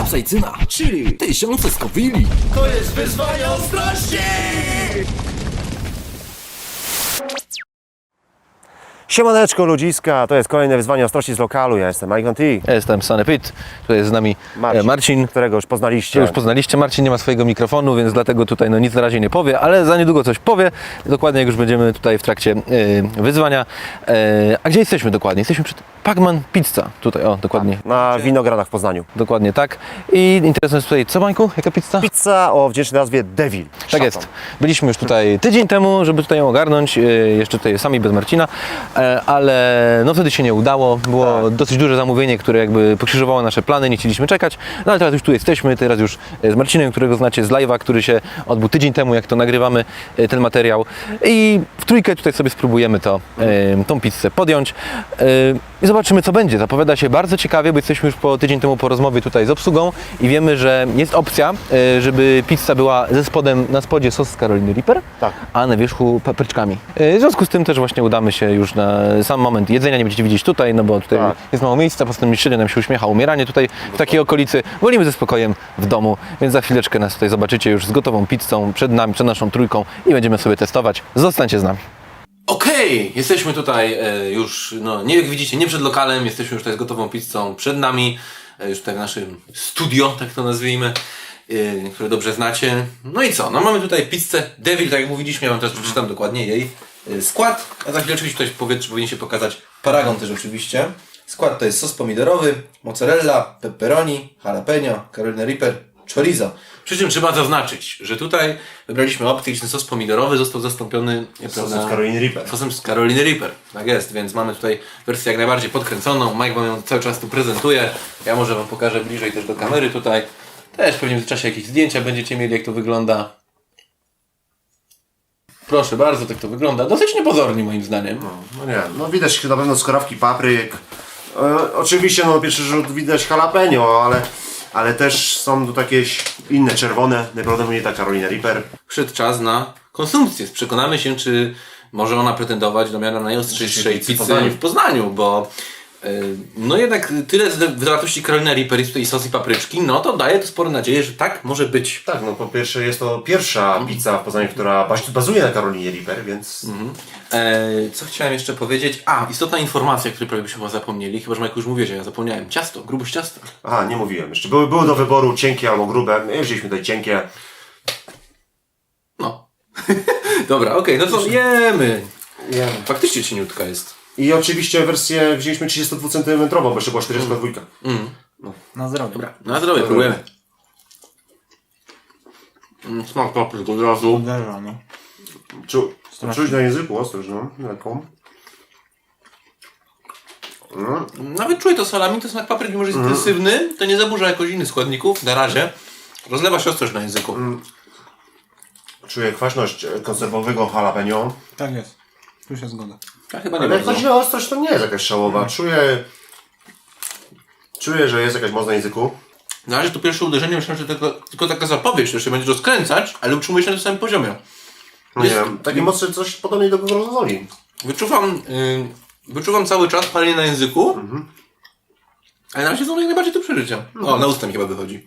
kapsajcyna, chili, tysiące skowili. To jest wyzwanie ostrości! Siemaneczko ludziska, to jest kolejne wyzwanie ostrości z lokalu. Ja jestem Mike T. Ja jestem Sanepit, tutaj jest z nami Marcin, którego już poznaliście. Już poznaliście. Marcin nie ma swojego mikrofonu, więc dlatego tutaj nic na razie nie powie, ale za niedługo coś powie. Dokładnie jak już będziemy tutaj w trakcie wyzwania. A gdzie jesteśmy dokładnie? Jesteśmy przed Pacman Pizza. Tutaj, o, dokładnie. Na Winogradach w Poznaniu. Dokładnie tak. I interesuje nas tutaj, co Mańku? Jaka pizza? Pizza o wdzięcznej nazwie Devil. Tak jest. Byliśmy już tutaj tydzień temu, żeby tutaj ją ogarnąć, jeszcze tutaj sami bez Marcina, ale no wtedy się nie udało. Było dosyć duże zamówienie, które jakby pokrzyżowało nasze plany, nie chcieliśmy czekać. No ale teraz już tu jesteśmy, teraz już z Marcinem, którego znacie z live'a, który się odbył tydzień temu, jak to nagrywamy ten materiał. I w trójkę tutaj sobie spróbujemy tą pizzę podjąć. I zobaczymy, co będzie. Zapowiada się bardzo ciekawie, bo jesteśmy już tydzień temu po rozmowie tutaj z obsługą i wiemy, że jest opcja, żeby pizza była ze spodem, na spodzie sos z Caroliny Reaper, Tak. a na wierzchu papryczkami. W związku z tym też właśnie udamy się już na sam moment jedzenia, nie będziecie widzieć tutaj, no bo tutaj jest mało miejsca, poza tym średnio nam się uśmiecha umieranie tutaj w takiej okolicy. Wolimy ze spokojem w domu, więc za chwileczkę nas tutaj zobaczycie już z gotową pizzą przed nami, przed naszą trójką i będziemy sobie testować. Zostańcie z nami. Okej, jesteśmy tutaj już, no nie jak widzicie, nie przed lokalem, jesteśmy już tutaj z gotową pizzą przed nami, już tutaj w naszym studio, tak to nazwijmy, które dobrze znacie. No i co, no mamy tutaj pizzę Devil, tak jak mówiliśmy, ja wam teraz przeczytam dokładnie jej skład, a za chwileczkę ktoś powie, czy powinien się pokazać paragon też oczywiście. Skład to jest sos pomidorowy, mozzarella, pepperoni, jalapeno, Carolina Reaper, chorizo. Przy czym trzeba zaznaczyć, że tutaj wybraliśmy opcję, gdzie ten sos pomidorowy został zastąpiony Sosem z Caroliny Reaper. Sosem z Caroliny Reaper. Tak jest, więc mamy tutaj wersję jak najbardziej podkręconą. Mike wam ją cały czas tu prezentuje. Ja może wam pokażę bliżej też do kamery tutaj. Też pewnie w czasie jakieś zdjęcia będziecie mieli, jak to wygląda. Proszę bardzo, tak to wygląda. Dosyć niepozornie moim zdaniem. No nie, no widać na pewno skrawki papryk. Oczywiście no pierwszy rzut widać jalapeno, ale też są tu takie inne czerwone, najprawdopodobniej ta Carolina Reaper. Przyszedł czas na konsumpcję. Przekonamy się, czy może ona pretendować do miana najostrzejszej pizzy w Poznaniu, bo no jednak tyle zawartości Carolina Reaper jest tutaj sos i papryczki, no to daje to spore nadzieję, że tak może być. Tak, no po pierwsze jest to pierwsza pizza w Poznaniu, która bazuje na Carolinie Reaper, więc... Co chciałem jeszcze powiedzieć? Istotna informacja, której prawie byśmy chyba zapomnieli, chyba że Majku już mówię, że ja zapomniałem. Ciasto, grubość ciasta. Aha, nie mówiłem jeszcze. Były do wyboru cienkie albo grube. My wzięliśmy tutaj cienkie. No. Dobra, okej, no to jemy. Faktycznie cieniutka jest. I oczywiście wersję wzięliśmy 32 cm, bo jeszcze była 42. Na zdrowie. Dobra, na zdrowie, próbujemy. Smak papryk od razu. Uderza, no. Czuć na języku ostrość, no, lekką. Nawet czuję to salami, to smak papryki może jest intensywny, to nie zaburza jakoś innych składników, na razie. Rozlewa się ostrość na języku. Czuję kwaśność konserwowego jalapeno. Tak jest. Tu się zgoda. Ja chyba nie Ale jak bardzo. chodzi o ostrość, to nie jest jakaś szałowa. Czuję, że jest jakaś moc na języku. Na razie to pierwsze uderzenie, myślałem, że tylko taka zapowiedź, że się będzie rozkręcać, ale utrzymuje się na tym samym poziomie. No nie wiem, takie mocne coś podobnie do gorgonzoli. Wyczuwam cały czas palenie na języku, ale na razie są jak najbardziej do przeżycia. O, na usta mi chyba wychodzi.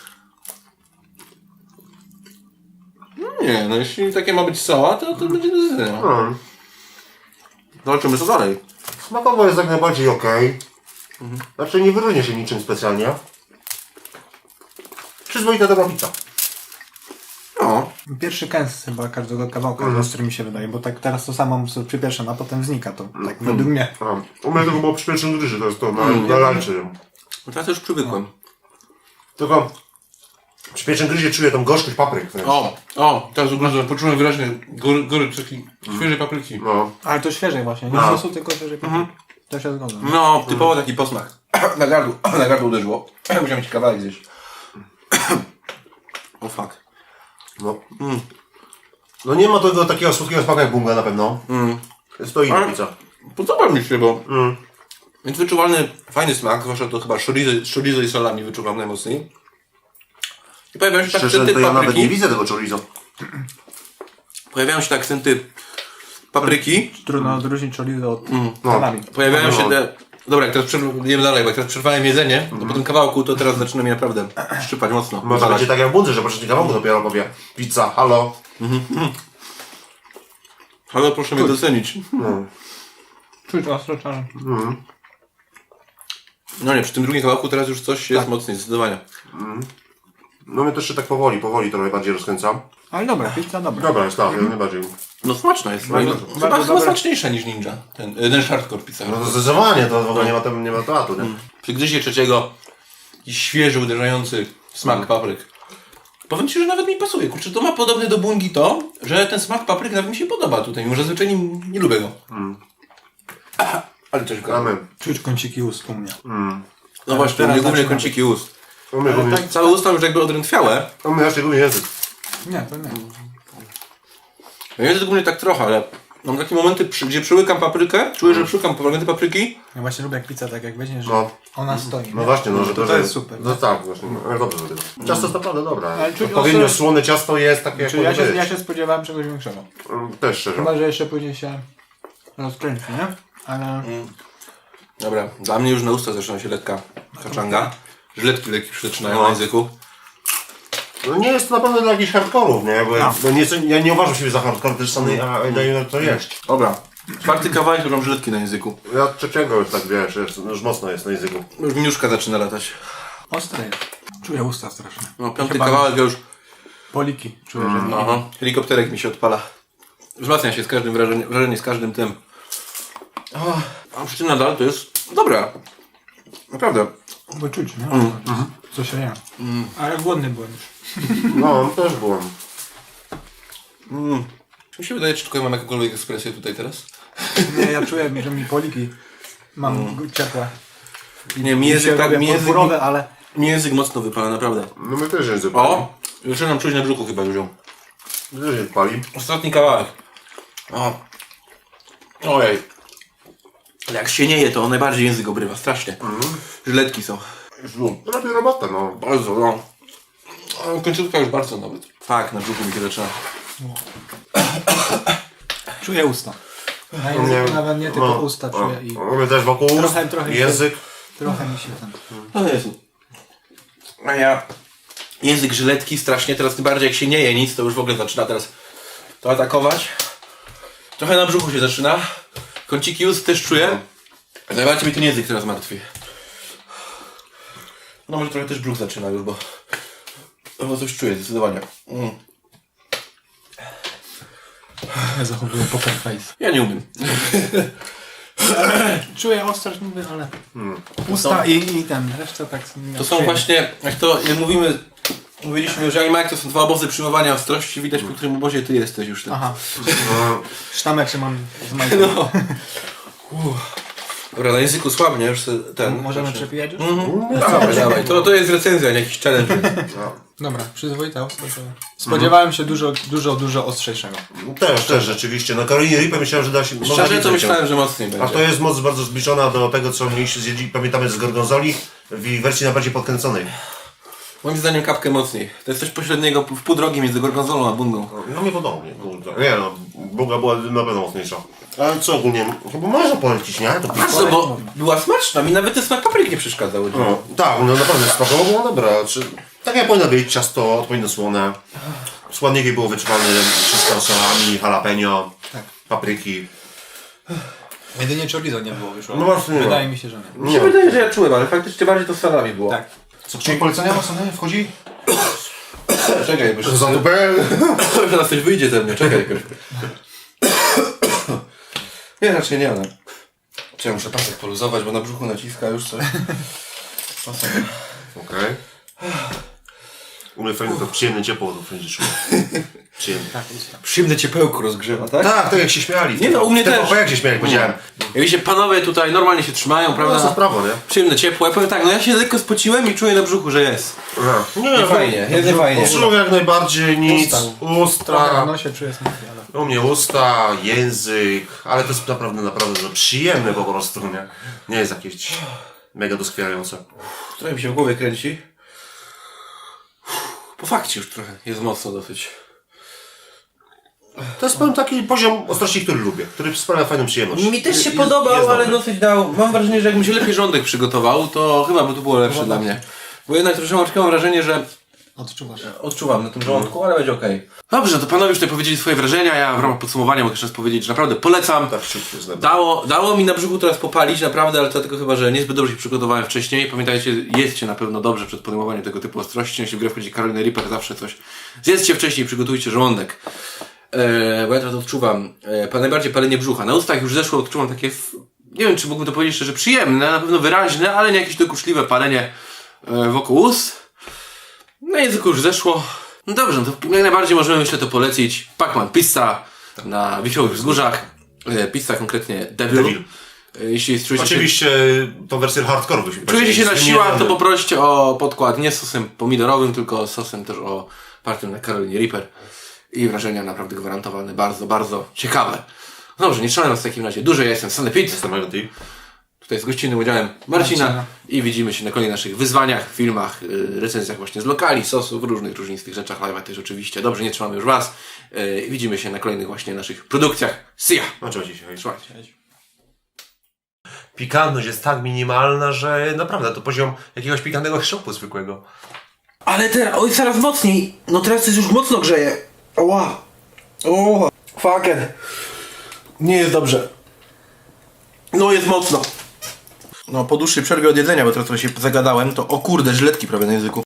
No nie, no jeśli takie ma być soła, to będzie do zjedzenia. Zobaczymy co dalej. Smakowo jest jak najbardziej okej. Znaczy nie wyróżnia się niczym specjalnie. Przyzwoita dobra pizza. No, Pierwszy kęs chyba każdego kawałka, ostry mi się wydaje, bo tak teraz to samo sobie przypieszam, a potem znika to, tak według mnie. U mnie to było przy pierwszym gryzie, to jest to na lunch. no teraz już przywykłem. Tylko przy pierwszym gryzie czuję tą gorzkość papryk. Teraz ugryzłem, poczułem wyraźnie gorycz takiej świeżej papryki. No. Ale to świeżej właśnie, nie sosu, tylko świeżej papryki. To się zgodzę. No, typowo taki posmak. Na gardło uderzyło. Musiałem mieć kawałek zjeść. O fuck. No nie ma tego takiego słodkiego smaku jak bunga na pewno. Jest to inna pizza. Podoba mi się, bo jest wyczuwalny, fajny smak, zwłaszcza to chyba chorizo i salami wyczuwam najmocniej. I pojawiają się tak Szczerze, akcenty to ja nawet nie papryki. widzę tego chorizo. Pojawiają się te akcenty papryki. Trudno odróżnić chorizo od salami. Pojawiają się te Dobra, jak teraz jemy dalej, bo jak teraz przerwałem jedzenie, to po tym kawałku to teraz zaczyna mi naprawdę szczypać mocno. Może Zalać. będzie tak jak w Bundze, że po trzecim kawałku dopiero powie pizza, halo. Ale proszę mnie docenić. Czuć ostro czarno. No nie, przy tym drugim kawałku teraz już coś jest mocniej, zdecydowanie. No mnie też się tak powoli trochę bardziej rozkręcam. Ale dobra, pizza dobra. Dobra, jest tak, jak najbardziej. No smaczna jest. Chyba smaczniejsza niż Ninja. Ten hardcore pizza. No to zdecydowanie, to w ogóle nie ma tematu, nie? Przy gryzie trzeciego jakiś świeży, uderzający smak papryk. Powiem Ci, że nawet mi pasuje. Kurczę, to ma podobne do bungi to, że ten smak papryk nawet mi się podoba tutaj, mimo że zwyczajnie nie lubię go. Ale coś go. Amen. Czuć kąciki ust u mnie. No właśnie, teraz mnie głównie zaczyna kąciki ust. U mnie głównie, Całe usta już jakby odrętwiałe. jeszcze głównie język. Nie, to nie. Język głównie tak trochę, ale mam takie momenty, gdzie przyłykam paprykę, czuję, że przyłykam fragmenty papryki. Ja właśnie lubię jak pizza tak jak weźmiesz, że No. ona stoi. No nie? właśnie, no że to jest super. No tak, właśnie, ale dobrze zrobione. Ciasto jest naprawdę dobre. Ale czuć Odpowiednio ostro- słone ciasto jest takie jak Czy ja powinno być. się spodziewałem czegoś większego. Też szczerze. Chyba, że jeszcze później się rozkręci, nie? Ale Dobra, dla mnie już na usta zaczyna się lekka kaczanga. Żletki lekkie już zaczynają na języku. No nie jest to na pewno dla jakichś hardkorów, nie? Bo ja nie uważam siebie za hardcore, też sam daję to jeść. Dobra, czwarty kawałek już mam żletki na języku. Ja trzeciego już tak wiesz, już mocno jest na języku. Już miniuszka zaczyna latać. ostre jest. Czuję usta strasznie. No, piąty Chyba kawałek już. Poliki czuję, że Aha, helikopterek mi się odpala. Wzmacnia się z każdym wrażenie z każdym tym. A przy tym nadal to jest dobra. Naprawdę. Bo czuć, nie? Co się je. Ale głodny byłem już. No, też byłem. Czy mi się wydaje, czy tylko ja mam jakąkolwiek ekspresję tutaj teraz? Nie, ja czuję, że mi poliki mam ciepłe. Nie, mi język tak, ale mi język mocno wypala, naprawdę. No my też język pali. O! Zaczynam czuć na brzuchu chyba już ją. My też język pali. Ostatni kawałek. O. Ojej. Ale jak się nie je, to najbardziej język obrywa, strasznie. Żyletki są. Robię robotę, no. Bardzo, no. Końcówka już bardzo nawet. Tak, na brzuchu mi się zaczyna. czuję usta. Na języku nawet nie tylko usta czuję i Mamy też wokół ust, trochę język. trochę mi się ten... No Jezu. A ja... Język żyletki strasznie, teraz tym bardziej jak się nie je nic, to już w ogóle zaczyna teraz to atakować. Trochę na brzuchu się zaczyna. Kąciki ust też czuję. Najbardziej mi ten język teraz martwi. No może trochę też brzuch zaczyna już, bo coś czuję zdecydowanie. Ja zachowuję poker face. Ja nie umiem. Czuję ostrość niby, ale usta i ten, reszta tak... To są właśnie, jak mówiliśmy, że Animax to są dwa obozy przyjmowania ostrości, widać po którym obozie ty jesteś już. Aha. Sztamek się mam z majką. No. Dobra, na języku słabnie już ten. Możemy przepijać już? Dawaj, dawaj. To jest recenzja, nie jakiś challenge. Dobra, przyzwoita ostrość. Spodziewałem się dużo ostrzejszego. Też rzeczywiście. Na Karolinie Reaper myślałem, że da się... można Szczerze to więcej myślałem, że mocniej A będzie. to jest moc bardzo zbliżona do tego, co mieliśmy zjedli, pamiętamy z Gorgonzoli, w wersji najbardziej podkręconej. Moim zdaniem kapkę mocniej. To jest coś pośredniego, w pół drogi między gorgonzolą a bungą. No nie podobnie, kurde. Nie no, Buga była na pewno mocniejsza. Ale co ogólnie, chyba można polecić, nie? To A co, bo była smaczna, mi nawet ten smak papryk nie przeszkadzał. No, tak, no naprawdę smakowo było dobra. Tak jak powinno być, ciasto odpowiednio słone. Składniki było wyczuwane wszystko solami, jalapeno, papryki. Jedynie chorizo nie było wyszło. No właśnie nie ma. Wydaje mi się, że nie. Mi się wydaje, że ja czułem, ale faktycznie bardziej to z salami było. Tak. Co, czyli polecenia mocne wchodzi? Czekaj, bo Za dupę? teraz coś wyjdzie ze mnie, czekaj jakoś. Nie, raczej nie, ale... Czy ja muszę pasek poluzować, bo na brzuchu naciska już coś. Pasek. Okej. U mnie fajnie to przyjemne ciepło to będzie czuło. Przyjemne. Przyjemne ciepełko rozgrzewa, tak? Tak, tak jak się śmiali. Nie no, u mnie też. jak się śmiali, powiedziałem. Jak widzicie, panowie tutaj normalnie się trzymają, No prawda? co w prawo, nie? Przyjemne ciepło. Ja powiem tak, no ja się lekko spociłem i czuję na brzuchu, że jest. Nie, fajnie, jest nie fajnie. Uszczą jak najbardziej nic. Trochę Usta. w nosie czuję smak, ale... U mnie usta, język, ale to jest naprawdę no, przyjemne po prostu, nie? Nie jest jakieś mega doskwierające. Trochę mi się w głowie kręci. Po fakcie już trochę jest mocno dosyć. To jest pewien taki poziom ostrości, który lubię, który sprawia fajną przyjemność. Mi też się Jest- podobał, jest ale dobry. dosyć dał. Mam wrażenie, że jakbym się lepiej żołądek przygotował, to chyba by to było lepsze dla mnie. Bo jednak troszeczkę mam wrażenie, że Odczuwasz. odczuwam na tym żołądku, ale będzie okej. Dobrze, to panowie już tutaj powiedzieli swoje wrażenia, ja w ramach podsumowania mogę jeszcze raz powiedzieć, że naprawdę polecam. Tak, szybko jest dobry. Dało mi na brzuchu teraz popalić, naprawdę, ale to dlatego chyba, że niezbyt dobrze się przygotowałem wcześniej. Pamiętajcie, jedzcie na pewno dobrze przed podejmowaniem tego typu ostrości. Jeśli w grę wchodzi Carolina Reaper, zawsze coś zjedzcie wcześniej, przygotujcie żołądek. Bo ja teraz odczuwam najbardziej palenie brzucha. Na ustach już zeszło, odczuwam takie, nie wiem czy mógłbym to powiedzieć szczerze, przyjemne, na pewno wyraźne, ale nie jakieś dokuczliwe palenie wokół ust. Na języku już zeszło. No dobrze, no to jak najbardziej możemy myślę to polecić. Pacman Pizza na Wiesiołych Wzgórzach. Pizza konkretnie Devil. Jeśli czujecie się, Oczywiście tą wersję hardcore byśmy czujecie się na powiedzieli. siłach, to poproście o podkład nie z sosem pomidorowym, tylko z sosem też opartym na Carolinie Reaper. I wrażenia naprawdę gwarantowane, bardzo, bardzo ciekawe. No dobrze, nie trzymam was w takim razie. Dużo ja jestem Sanepid. Jestem Ivan. Tutaj z gościnnym udziałem Marcina i widzimy się na kolejnych naszych wyzwaniach, filmach, recenzjach właśnie z lokali, sosów, różnych różnistych rzeczach, live'ach też oczywiście. Dobrze, nie trzymamy już was. Widzimy się na kolejnych właśnie naszych produkcjach. See ya! No trzeba dzisiaj. Trzymajcie. Pikantność jest tak minimalna, że naprawdę to poziom jakiegoś pikantnego szopu zwykłego. Ale teraz, oj, coraz mocniej. No teraz to już mocno grzeje. Oła. O, fucker. Nie jest dobrze. No jest mocno. No po dłuższej przerwie od jedzenia, bo teraz trochę się zagadałem, to o kurde, żyletki prawie na języku.